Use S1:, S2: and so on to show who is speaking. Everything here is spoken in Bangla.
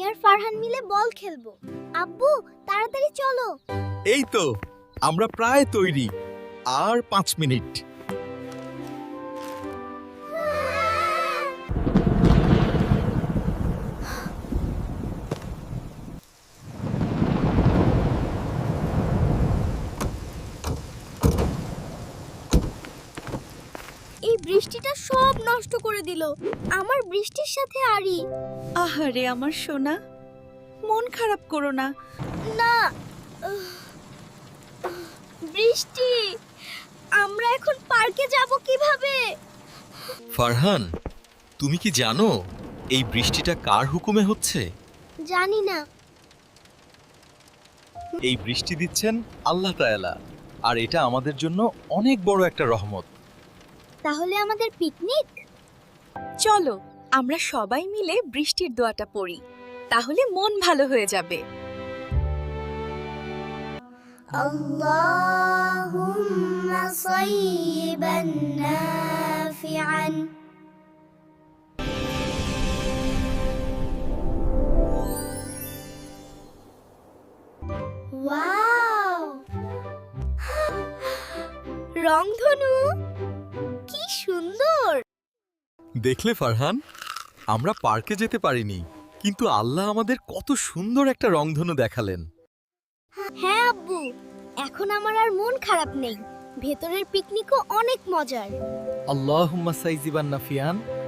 S1: আর ফারহান মিলে বল খেলবো। আব্বু তাড়াতাড়ি চলো।
S2: এই তো আমরা প্রায় তৈরি, আর 5 মিনিট।
S1: এই বৃষ্টিটা সব নষ্ট করে দিল। আমার বৃষ্টির সাথে আরি।
S3: আহারে আমার সোনা, মন খারাপ করো না।
S1: না, বৃষ্টি, আমরা এখন পার্কে যাব কিভাবে?
S2: ফারহান, তুমি কি জানো এই বৃষ্টিটা কার হুকুমে হচ্ছে?
S1: জানি না।
S2: এই বৃষ্টি দিচ্ছেন আল্লাহ তাআলা, আর এটা আমাদের জন্য অনেক বড় একটা রহমত।
S1: তাহলে আমাদের পিকনিক?
S3: চলো আমরা সবাই মিলে বৃষ্টির দোয়াটা পড়ি, তাহলে মন ভালো হয়ে যাবে।
S1: আল্লাহুম্মা সাইয়্যিবান নাফিআন। ওয়াও, রংধনু কি সুন্দর!
S2: দেখলে ফারহান, আমরা পার্কে যেতে পারিনি, কিন্তু আল্লাহ আমাদের কত সুন্দর একটা রংধনু দেখালেন।
S1: হ্যাঁ আব্বু, এখন আমার আর মন খারাপ নেই। ভেতরের পিকনিকও অনেক মজার।
S4: আল্লাহুম্মা সাইজিবান নাফিয়ান।